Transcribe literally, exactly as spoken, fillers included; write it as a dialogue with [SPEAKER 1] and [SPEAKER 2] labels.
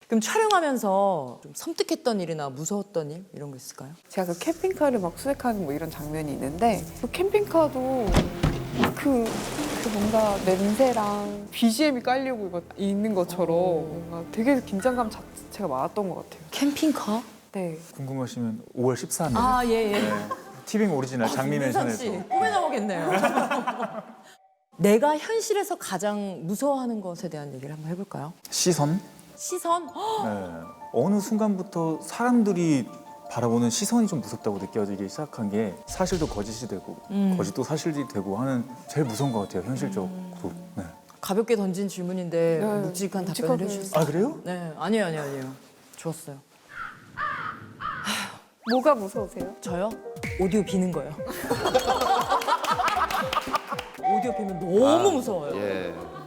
[SPEAKER 1] 그럼 촬영하면서 좀 섬뜩했던 일이나 무서웠던 일 이런 거 있을까요?
[SPEAKER 2] 제가 그 캠핑카를 막 수색하는 뭐 이런 장면이 있는데 그 캠핑카도 그, 그 뭔가 냄새랑 비지엠이 깔리고 막 있는 것처럼 뭔가 되게 긴장감 자체가 많았던 것 같아요.
[SPEAKER 1] 캠핑카?
[SPEAKER 2] 네.
[SPEAKER 3] 궁금하시면 오월 십삼일
[SPEAKER 1] 아, 예, 예.
[SPEAKER 3] 네, 티빙 오리지널 장미
[SPEAKER 1] 윤선 씨,
[SPEAKER 3] 맨션에서
[SPEAKER 1] 꿈에 나오겠네요. 내가 현실에서 가장 무서워하는 것에 대한 얘기를 한번 해볼까요?
[SPEAKER 3] 시선?
[SPEAKER 1] 시선? 헉!
[SPEAKER 3] 네. 어느 순간부터 사람들이 바라보는 시선이 좀 무섭다고 느껴지기 시작한 게 사실도 거짓이 되고
[SPEAKER 1] 음.
[SPEAKER 3] 거짓도 사실이 되고 하는 제일 무서운 것 같아요, 현실적으로. 네.
[SPEAKER 1] 가볍게 던진 질문인데
[SPEAKER 2] 네,
[SPEAKER 1] 묵직한 답변을
[SPEAKER 2] 묵직하게.
[SPEAKER 1] 해주셨어요.
[SPEAKER 3] 아 그래요?
[SPEAKER 1] 네, 아니에요, 아니에요, 아니에요. 좋았어요.
[SPEAKER 2] 뭐가 무서우세요?
[SPEAKER 1] 저요? 오디오 비는 거요. 오디오 비면 너무 무서워요.
[SPEAKER 4] 예.